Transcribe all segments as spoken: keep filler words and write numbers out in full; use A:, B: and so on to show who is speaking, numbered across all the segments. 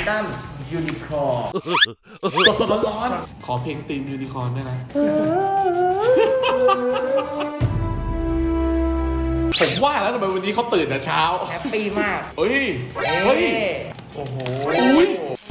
A: ดั้มยูนิคอร์นสดๆร้อนๆขอเพลงธีมยูนิคอร์นด้วยนะผมว่าแล้วทำไมวันนี้เขาตื่นแต่เช้า
B: แฮปปี้มาก
A: เฮ้ยเฮ้ย
B: โอ้โห
A: อุ้ย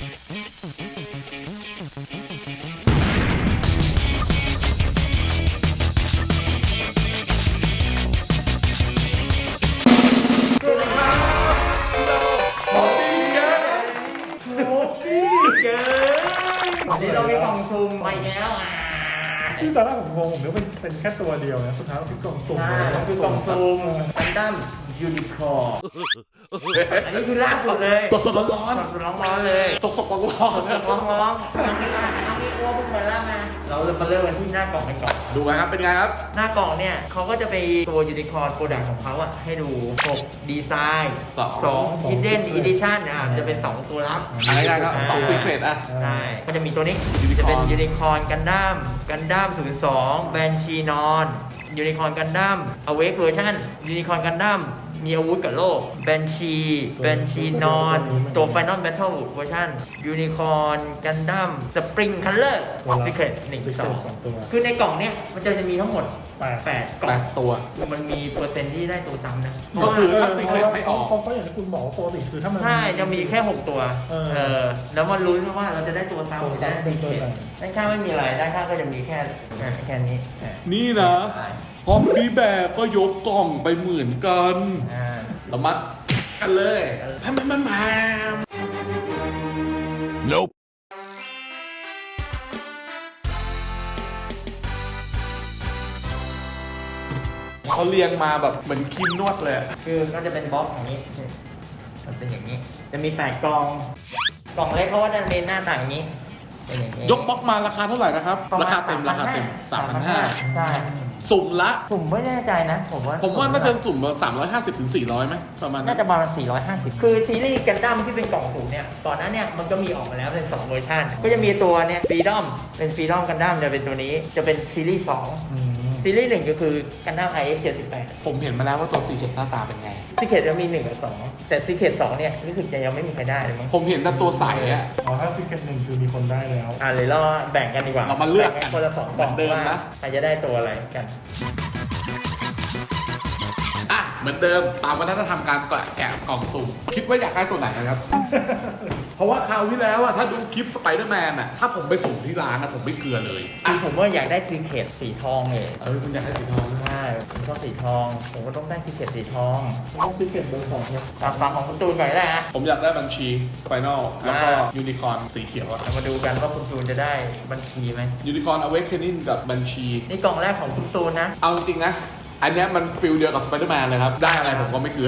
B: วันนี้เรามีกล่องซุ่มไปแล้วอ่ะ
C: ที่ตอนแรกผมงงผมนึกว่าเป็นเป็นแค่ตัวเดียวนะสุดท้ายมันคือกล่องสุ่ม
B: ใช่มันคือกล่องซุ่มกันดั้มยูนิคอร์นอันนี้คือล่าสุดเลย
A: สดๆร้อน
B: ๆสดๆร้อนๆเลย
A: สดๆร้อนๆ
B: สดๆร้อนๆยังไม่ล่ายังไม่อ้วนพวกมันล่ามาเราจะมาเริ่มกันที่หน้ากล่องกันก่อน
A: ดูกันครับเป็นไงครับ
B: หน้ากล่องเนี่ยเขาก็จะไปตัวยูนิคอร์นโปรดักต์ของเขาอ่ะให้ดูหกดีไซน์สอง Hidden Edition อ่ะจะเป็นสองตัวลับ
A: อะไรได้ครับสองซีเครตอ่ะ
B: ใช่ก็จะมีตัวนี้จะเป็นยูนิคอร์นกันดั้มกันดั้มศูนย์สองแบนชีนอนยูนิคอร์นกันดั้มอเวกเวอร์ชันยูนิคอร์นกันดั้มมีอาวุธกับโลกแบนชีแบนชีนอนตัว Final Battle เวอร์ชันยูนิคอร์นกันดั้มสปริงคัลเลอร์ซีเครตหนึ่งสองคือในกล่องเนี้ยมันจะจะมีทั้งหมดแปดกล่อง
A: ตัว
B: มันมีเปอร์เซ็นต์ที่ได้ตัวซ้ำนะ
A: ก็คือถ้าซีเครตไม่ออก
C: เพราะอย่างที่คุณบอกว่าปกติคือถ้ามัน
B: ใช่จะมีแค่หกตัวเออแล้วมันลุ้นว่าเราจะได้ตัวซ้ำหรือได้ซีเครตด้านข้างไม่มีอะไรด้านข้างก็จะมีแค่แค่นี้
A: นี่นะฮอมบี้แบกก็ยกกล่องไปเหมือนกันเรามากันเลยแพมแพมแพมแพม Nope เขาเรียงมาแบบเหมือนครีมนวดเลย
B: คือก็จะเป็นบล็อกอย่างนี้มันเป็นอย่างนี้จะมีแปดกล่องกล่องเล็กเขาก็จะมีหน้าต่างอย่างนี้เป็นอย่างนี้
A: ยกบล็อกมาราคาเท่าไหร่นะครับราคาเต็มราคาเต็ม สามพันห้าร้อย
B: ใช่
A: สุ่มละ
B: สุ่มไม่แน่ใจนะผมว่า
A: ผมว่าน่าจะสุ่มมาสามร้อยห้าสิบถึงสี่ร้อยไหมประมาณ
B: น่าจะประมาณสี่ร้อยห้าสิบคือซีรีส์กันดั้มที่เป็นกล่องสุ่มเนี่ยก่อนหน้าเนี่ยมันก็มีออกมาแล้วเป็นสองเวอร์ชันก็จะมีตัวเนี่ยฟรีดอมเป็นฟรีดอมกันดั้มจะเป็นตัวนี้จะเป็นซีรีส์สองซีรีส์หนึ่งก็คือกันดั้ม ไอ เอ็กซ์ เจ็ดสิบแปด
A: ผมเห็นมาแล้วว่าตัวซีเคทหน้าตาเป็นไง
B: ซีเคทจะมีหนึ่งกับสองแต่ซีเคทสองเนี่ยรู้สึกจะยังไม่มีใครได้เลยมั้ง
A: ผมเห็นแต่ตัวใสอ่ะ
C: อ๋อถ้าซีเคทหนึ่งคือมีคนได้แล้ว
B: อ่าเลยเราแบ่งกันดีกว่า
A: เรามาเลือกกัน
B: คนละสองกล่อง
A: เดิมนะ
B: ใครจะได้ตัวอะไรกัน
A: อ่ะเหมือนเดิมตามวัฒนธรรมการแกะกล่องสุ่มคิดว่าอยากได้ตัวไหนนะครับ เพราะว่าคราวที่แล้วอะถ้าดูคลิปสไปเดอร์แมนอะถ้าผมไปสุ่มที่ร้านอะผมไม่เกลือเลย
B: คือผมว่าอยากได้ซีเคทสีทองเลย
A: เออคุณอยากได้สีทอง
B: ใช่ผมชอบสีทองผมก็ต้องได้ซีเคทสีทอง
C: ต้องซีเคทเบอร์สองเนี่ย
B: ตามฟังของคุณตูนก่อนได้นะ
A: ผมอยากได้บัญชีไฟนอลแล้วก็ยูนิคอร์นสีเขียวอะ
B: มาดูกันว่าคุณตูนจะได้บัญชีไหม
A: ยูนิคอร์นอเวคเคนนิ่งกับบัญชี
B: นี่กล่องแรกของคุณตูนนะ
A: เอาจริงนะอันนี้มันฟิลเดียวกับสไปเดอร์แมนเลยครับได้อะไรผมก็ไม่เกลือ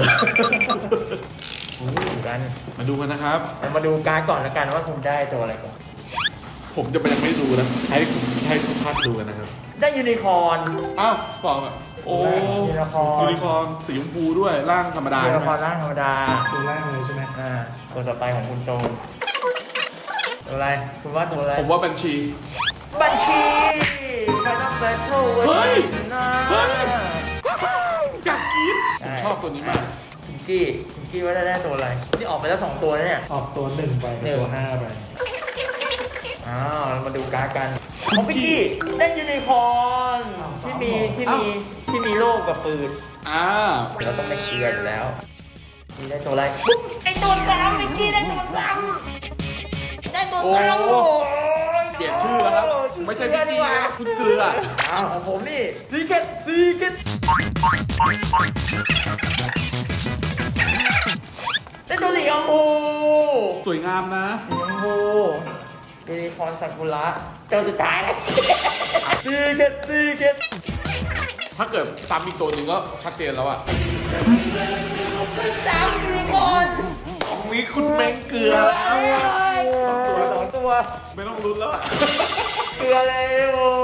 B: ดูกัน
A: มาดูกันนะครับ
B: มาดูการ์ดก่อนแล้วกันว่าคุณได้ตัวอะไรก่อน
A: ผมจะไปยังไม่ดูนะให้ให้ทุกท่านดูกันนะครับ
B: ได้ยูนิคอร์น
A: อ้าวสองโอ้ยูนิคอร์นยูนิคอร์นสีชมพูด้วยร่างธรรมดา
B: ยูนิคอร์นร่างธรรมดา
C: ตัวแรกเลยใช่ไหม
B: อ่าตัวต่อไปของคุณโตนตัวอะไรคุณว่าตัวอะไร
A: ผมว่าบัญชี
B: บัญชีไปต้องแบทเทิลเฮ้ย
A: เฮ้ยอยากกินผมชอบตัวนี้มาก
B: คุณกี้คุณกี้ว่าได้ได้ตัวอะไรนี่ออกไปแล้วสองตัวแล้วเนี่ย
C: ออกตัวหนึ่งไปตัวห้าไป
B: อ้าวเรามาดูการ์ดกันของพี่กี้ได้ยูนิคอร์นที่มีที่มีที่มีโล่กับปืน
A: อ่า
B: เราต้องไปเกลืออยู่แล้วนี่ได้ตัวอะไรไอตัวซ้ำพี่กี้ได้ตัวซ้ำได้ตัวซ้ำ
A: เปลี่ยนชื่อแล้วครับไม่ใช่พี่กี้นะคุณเกลือ
B: อ้าวของผมนี่ซีเกตซีเกตได้ตัวสีชมพู
A: สวยงามนะ
B: สีชมพูยูนิคอร์นซากุระตัวสุดท้ายแล้วซีเกตซีเกต
A: ถ้าเกิดซ้ำอีกตัวหนึ่งก็ชัดเจนแล้วอะ
B: ซ้ำยูนิคอร์น
A: ของนี้คุณแมงเกลือแล้ว
B: สองตัวสองตัว
A: ไม่ต้องลุ้นแล้วอะ
B: เกลือเลยโอ้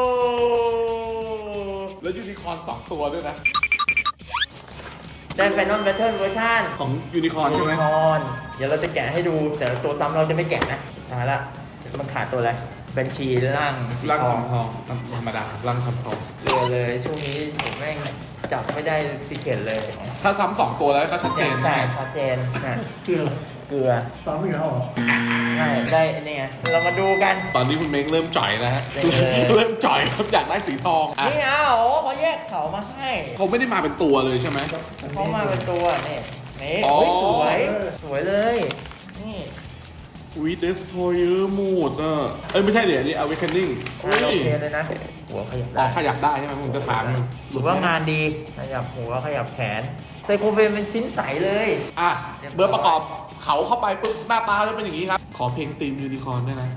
A: แล้วยูนิคอร์นสองตัวด้วยนะ
B: ได้ไฟนอลแบทเทิลเวอร์ชัน
A: ของยูนิคอร์นใช่ไหม
B: ยูนิคอร์นเดี๋ยวเราจะแกะให้ดูแต่ตัวซ้ำเราจะไม่แกะนะมาละมันขาดตัวอะไรบัญชีร่าง
A: ร่างทองทองธรรมดาร่างทองทอง
B: เรือเลยช่วงนี้ผมแม่งจับไม่ได้ซีเคทเลย
A: ถ้าซ้ำสองตัวแล้วก็ชัดเจน
B: ใช่ชัดเจนนะ
C: เกลือ
B: เกลือ
C: ซ้ำอีกแล้วเหรอ
B: ใได้นี่ไงเรามาดูกัน
A: ตอนนี้คุณเม้งเริ่มจ่อยแล้วฮะ
B: เออ
A: เริ่มจ่อยครับอยากได้สีทองอ่ะ
B: นี่เอาโอ้เขาแยกเขามาให้
A: เขาไม่ได้มาเป็นตัวเลยใช่ไหม
B: เขามาเป็นตัวนี่นี่
A: อ๋อ
B: โอ้ยสวยสวยเลยนี่
A: อุ้ยเดสโทเยอร์หมดอ่ะเอ้ยไม่ใช่เดี๋ยวอันนี้ awakening
B: งานโอเคเลยนะหัวขยับ
A: อ๋อ
B: ได้
A: ขยับได้ใช่ไหมผมจะถามอยู่
B: หรือว่างานดีขยับหัวขยับแขนไซโคเฟนเป็นชิ้นใสเลย
A: อ่ะเบอร์ประกอบเขาเข้าไปปุ๊บหน้าตาจะเป็นอย่างนี้ครับ ขอเพลงธีมยูนิคอร์นด้วยนะ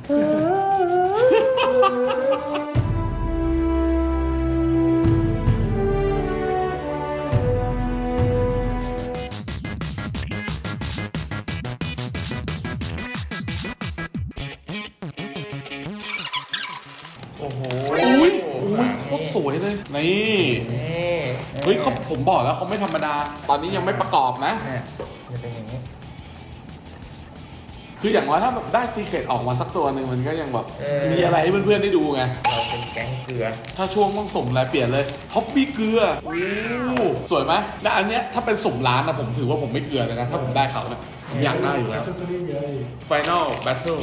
B: โอ้โห
A: อุ้ยอุ้ยโคตรสวยเลย นี่
B: นี่
A: เฮ้ยเขาผมบอกแล้วเขาไม่ธรรมดา ตอนนี้ยังไม่ประกอบนะ
B: เนี่ยจะเป็นอย่างนี้
A: คืออย่างน้อยถ้าแบบได้ซีเคร็ตออกมาสักตัวหนึ่งมันก็ยังแบบ
B: เออ
A: มีอะไรให้เพื่อนๆได้ดูไง
B: เราเป็นแก๊งเกลือ
A: ถ้าช่วงต้องสุ่มอะไรเปลี่ยนเลยท็อปปี้เกลือโอ้สวยไหมและอันเนี้ยถ้าเป็นสุ่มร้านนะผมถือว่าผมไม่เกลือเลยนะ ถ้าผมได้เขาเนี่ยผมอยากได้อยู่แล้ว
C: เซสซอรี่เยอะอีก
A: Final Battle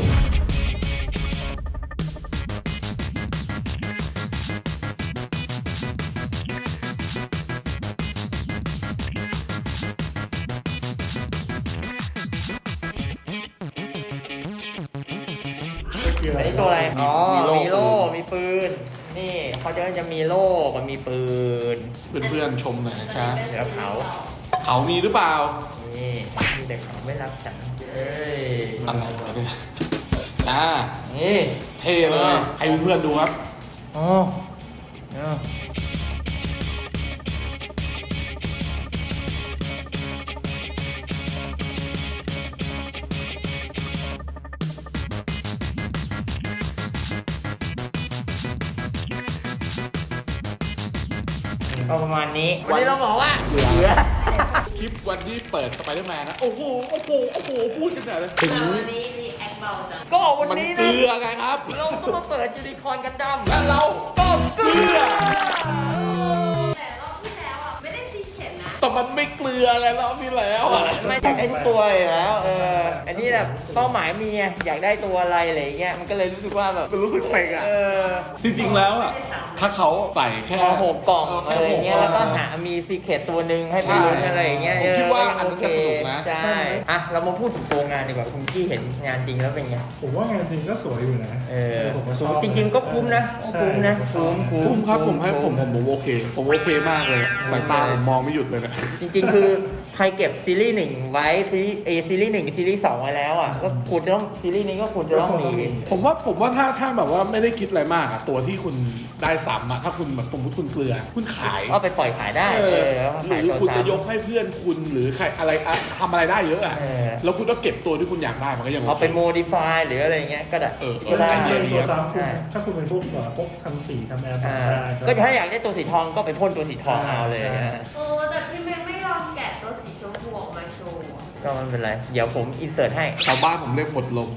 B: อันนี้ตัวอะไร อ๋อ
A: มีโล่
B: มีโล่ มีปืน นี่เขาจะจะมีโล่กับมีปืน
A: เพื่อนๆชมหน่อยนะจ๊ะ
B: เดี๋ยวเขา
A: เขามีหรือเปล่า
B: นี่มีแต่เขาไม่รักฉันเอ้ย
A: อะไรวะเนี่ยอ่า
B: นี่
A: เท่เลย ให้เพื่อนๆดูครับ
B: อ๋อเนี่ย ก็ประมาณนี้ วันนี้เราบอกว่าเหลือ
A: คลิปวันที่เปิดสไปเดอร์แมนนะ โอ้โห โอ้โห โอ้โห พูดกันใหญ่เลย
D: แต่วันนี้มีแอคเบาจัง
B: ก็วัน
A: มัน
B: นี้
A: เก
B: นะ
A: ลือไงครับ
B: เราก็มาเปิดยูนิคอร์นกันดั้ม
A: และเราก็เกลือ
D: แต่รอบที่แล้วอ่ะ ไม่ได้ซีเข็ดนะ
A: แต่มันไม่เกลืออะไรรอบนี้แล้วอ่ะ
B: ไม่อยากได้ทุกตัวอยู่แล้ว เออ อันนี้แบบเป้าหมายมีไงอยากได้ตัวอะไรอะไรอย่างเงี้ย มันก็เลยรู้สึกว่าแบบ
A: มันรู้สึกเซ็งอ่ะ
B: เออ
A: จริงๆแล้วอ่ะ ถ้าเขาใส่แค่
B: พอหกกล่อง
A: แค่
B: อะไรอย่างเงี้ย
A: ห
B: แล้วก็
A: ล่อง
B: หามีซีเคตตัวหนึ่งให้ไปลุ้นอะไรอย่างเงี้ย
A: ผมคิดว่าอันนั้น
B: โเค
A: จะสนุกนะ
B: ใช่ อ่ะ เรามาพูดถึงตัวงานดีกว่า คุณกี้เห็นงานจริงแล้วเป็นไง
C: ผมว่างานจริงก็สวยอยู่นะ
B: เออ
C: ผมก็ชอบ
B: จริงๆก็คุ้มนะ
C: ใช่
B: คุ้มนะ
C: ผมก็ชอบ
B: คุ้ม
A: คุ้มครับผมให้ผม
B: คุ้
A: ผมผมโอเค ผมโอเคมากเลยสายตาผมมองไม่หยุดเลยเนี่ย
B: จริงๆ คือใครเก็บซีรีส์หนึ่งไว้ซีรีส์เอซีรีส์หนึ่งกับซีรีส์สองไว้แล้วอ่ะก็ควรจะต้องซีรีส์นี้ก็ควรจะต้องมี
A: ผมว่าผมว่าถ้าถ้าแบบว่าไม่ได้คิดอะไรมากอะตัวที่คุณได้ซ้ำอะถ้าคุณแบบสมมติคุณเกลือ คุณขาย
B: ก็ไปปล่อยขายได้
A: เอ
B: เอ
A: อ
B: อแล้ว
A: ห
B: ขาย
A: รือ
B: ตัว
A: คุณจะ
B: ซ้ำ
A: ยกให้เพื่อนคุณหรือใครอะไรอะทำอะไรได้เยอะอะ
B: เออ
A: แล้วคุณก็เก็บตัวที่คุณอยากได้มันก็ยัง
B: เอา
A: โอ
B: ไป
A: เค
B: โมดิฟายหรืออะไรเงี้ยก็ได้
A: เออเออ
B: ก็ได้
A: ไอเดีย
C: เป็น
A: ดี
C: ตัว
A: ครับ
C: ซ้ำคุณ
B: ใช่
C: ถ้าคุณเป็นพวกแบบพวกทำสีทำแอร์
B: อ่า
C: ทำได้
B: ก็ถ้าอยากได้ตัวสีทองก็ไปพ่นตัวสีทองเอาเลย
C: ใช่
B: นะ
D: โอ้แต่พี่แม่ไม่ยอมแกะตัวสีชมพูออกมาโชว์อะ
B: ก็ไม่เป็นไร เดี๋ยวผมอินเสิร์ตให้
A: ชาวบ้านผมเรียกหมดลม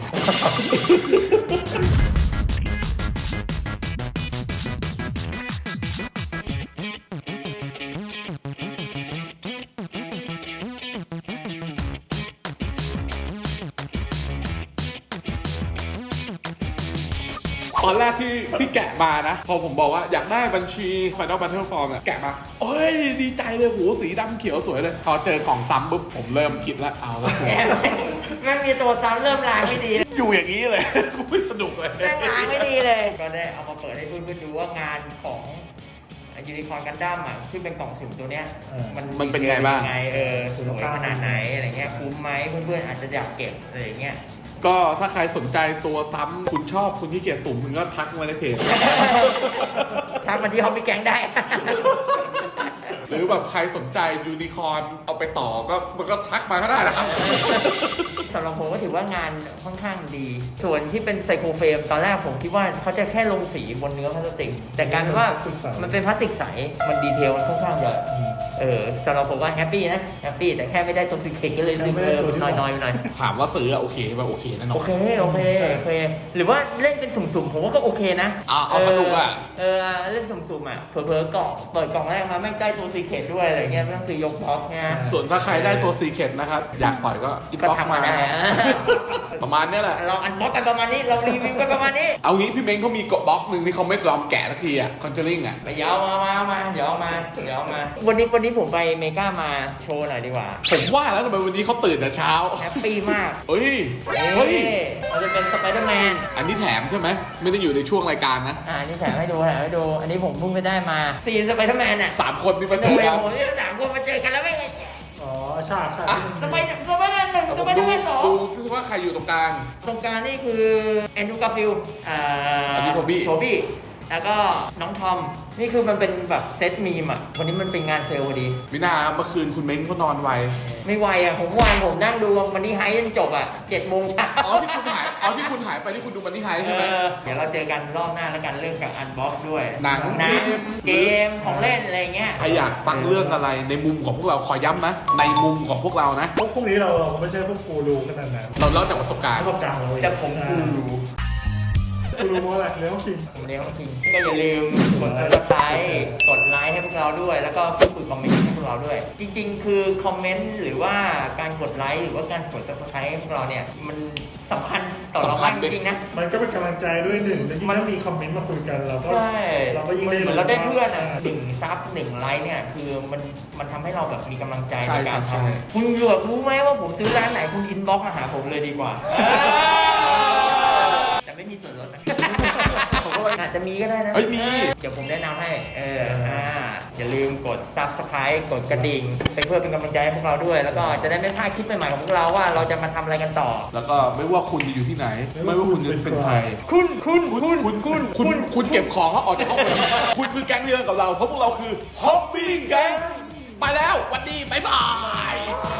A: ตอนแรกที่ที่แกะมานะ พอผมบอกว่าอยากได้บัญชี Final Battle Form เนี่ยแกะมาโอ้ยดีใจเลยโหสีดำเขียวสวยเลย พอเจอกล่องซ้ำปุ๊บผมเริ่มคิดแล้วเอาแล้วกู
B: แม่งแม่งมีตัวซ้ำเริ่มล้างไม่ดีแล้ว
A: อยู่อย่างนี้เลย กูไม่สนุกเลย
B: แม่งล้างไม่ดีเลย ก็ได้เอามาเปิดให้เพื่อนๆดูว่างานของยูนิคอร์นกันดั้มอ่ะที่เป็นกล่องสุ่มตัวเนี้ย มัน
A: มันเป็นไงบ้าง
B: ไงเออสวยขนาดไหนอะไรเงี้ยคุ้มไหมเพื่อนๆอาจจะอยากเก็บอะไรอย่างเงี้ย
A: ก็ถ้าใครสนใจตัวซ้ำคุณชอบคุณที่เกียจสุ่มคุณก็ทักมาในเพจ
B: ทักมาที่ห้องพี่แก๊งได้
A: หรือแบบใครสนใจยูนิคอร์นเอาไปต่อก็มันก็ทักมาก็ได้นะครับ
B: สำหรับผมก็ถือว่างานค่อนข้างดี ส่วนที่เป็นไซโครเฟรมตอนแรกผมคิดว่าเขาจะแค่ลงสีบนเนื้อพลาสติก แต่กลารเป็นว่ามันเป็นพลาสติกใส มันดีเทลมันค่อนข้างจะเออสำหรับผมว่าแฮปปี้นะแฮปปี้แต่แค่ไม่ได้ตัวซีเคก็เลยซื้อเออน้อยๆหน่อย
A: ถามว่าซื้ออะโอเคป่ะโอเคแน่นอน
B: โอเคโอเคโอเคหรือว่าเล่นเป็นสุ่มๆผมว่าก็โอเคนะ
A: อ่ะเอาสนุกอะ
B: เออเล่นสุ่มๆอ่ะเผลอๆกล่องเปิดกล่องแรกมาแม่งได้ตัวซีเคด้วยอะไรเงี้ยไม่ต้องซื้อยกบล็อกเนี่ย
A: ส่วนถ้าใครได้ตัวซีเคทนะครับ อยากปล่อยก็อิน
B: ก็
A: บ็อก
B: ทำ
A: มา
B: มาได้อะ
A: ประมาณเนี้ยแหละ
B: เราอันบ็อกกันประมาณนี้เรารีวิวกันประมาณนี้
A: เอางี้พี่เม้งเขามีกดบล็อกหนึ่งที่เขาไม่ยอมแกะสักทีอ่ะคอนเจอริงอ่ะ
B: ไปเดี๋ยาวมามามาเดี๋ยวเอามาเดี๋ยวเอามา วันนี้วันนี้ผมไปเมกามาโชว์หน่อยดีกว่า
A: ผมว่าแล้วทำไมวันนี้เขาตื่นแต่เช้า
B: แฮปปี้มาก
A: เฮ้ย
B: เฮ้
A: เฮ้ย
B: ยมันจะเป็นสไปเดอร์แมน
A: อันนี้แถมใช่ไหมไม่ได้อยู่ในช่วงรายการนะ
B: อ่านี่แถมให้ดูแถมให้ดู อันนี้ผมเพิ่งไปได้มาซีนสไปเดอร์แมนอ่ะ
A: สามคนนี่มาเจ
B: โอ้
A: อย กัน
B: ผมนี่สามคนมาเจอกันแล้วไม่ไง
C: อ๋อฉากฉาก
A: อ่ะ
B: สไปเดอร์สไปเดอร์แมนหนึ่ง
A: เอา
B: ส
A: ผม
B: ไปเดอ
A: ดู
B: ร์แมนสอง
A: ดูว่าใครอยู่ตรงกลาง
B: ตรงกลางนี่คือแอนดรูการ์ฟิลด์อ่า
A: อันนี้โทบี้
B: โทบี้ แล้วก็น้องทอม นี่คือมันเป็นแบบเซตมีมอ่ะ วันนี้มันเป็นงานเซลล์พอดี
A: วินาเมื่อคืนคุณเม้งเขานอนไว
B: ไม่ไหวอ่ะ ผมวานผมนั่งดูมันนี่ไฮจนจบอ่ะเจ็ดโมงเช้า
A: อ๋อที่คุณหายอ๋อที่คุณหายไปที่คุณดูมันนี่ไฮใช่ไหม
B: เออเดี๋ยวเราเจอกันรอบหน้าแล้วกันเรื่องกับอันบ็อกด้วย
A: หนัง
B: หนัง
A: เกม
B: เกมของเล่นอะไรเงี้ย
A: ใครอยากฟังเรื่องอะไรในมุมของพวกเราขอย้ำนะ ในมุมของพวกเรานะ
C: พวกพวกนี้เราเราไม่ใช่พวกกูรูขนาดนั้น
A: เราเล่าจากประสบการณ์
C: ประสบการณ์เราเอง
B: แต่ผมกูรู้
C: กูรูโมอะไรเลี้ยงคิง
B: ผมเลี้ยงจริงก็อย่าลืมกด subscribe กดไลค์ให้พวกเราด้วย แล้วก็พูดคุยคอมเมนต์ให้พวกเราด้วย จริงๆ คือคอมเมนต์หรือว่าการกดไลค์หรือว่าการกด subscribe ให้พวกเราเนี่ย มันสำคัญต่อเรามากจริงๆนะ
C: มันก็เป็นกำลังใจด้วยหนึ่งแล้วยิ่งถ้ามีคอมเมนต์มาคุยกันเราก็
B: ใช่
C: เราก็ยิ่งได้
B: เหมือนเราได้เพื่อนอ่ะหนึ่งซับหนึ่งไลค์เนี่ย คือมันมันทำให้เราแบบมีกำลังใจ
A: ใช่
B: ในการ
A: ใช่
B: ทำคุณเหลือบรู้ไหมว่าผมซื้อร้านไหนคุณอินบ็อกมาหาผมเลยดีกว่าแต่ไม่มีส่วนลดนะ อาจจะมีก็ได้นะ
A: เฮ้ยมี
B: เดี๋ยวผมแนะนำให้ เออ อ่า อย่าลืมกด subscribe กดกระดิ่งเป็นเพื่อเป็นกำลังใจให้พวกเราด้วย แล้วก็จะได้ไม่พลาดคลิปใหม่ๆของพวกเราว่าเราจะมาทำอะไรกันต่อ
A: แล้วก็ไม่ว่าคุณจะอยู่ที่ไหน ไม่ว่าคุณจะเป็นใคร
B: คุณ คุณ
A: คุณคุณคุณคุณคุณเก็บของเขาออกจากห้องเลยคุณคือแก๊งเดียวกับเราเพราะพวกเราคือฮอบบี้แก๊งไปแล้วสวัสดีบ๊ายบาย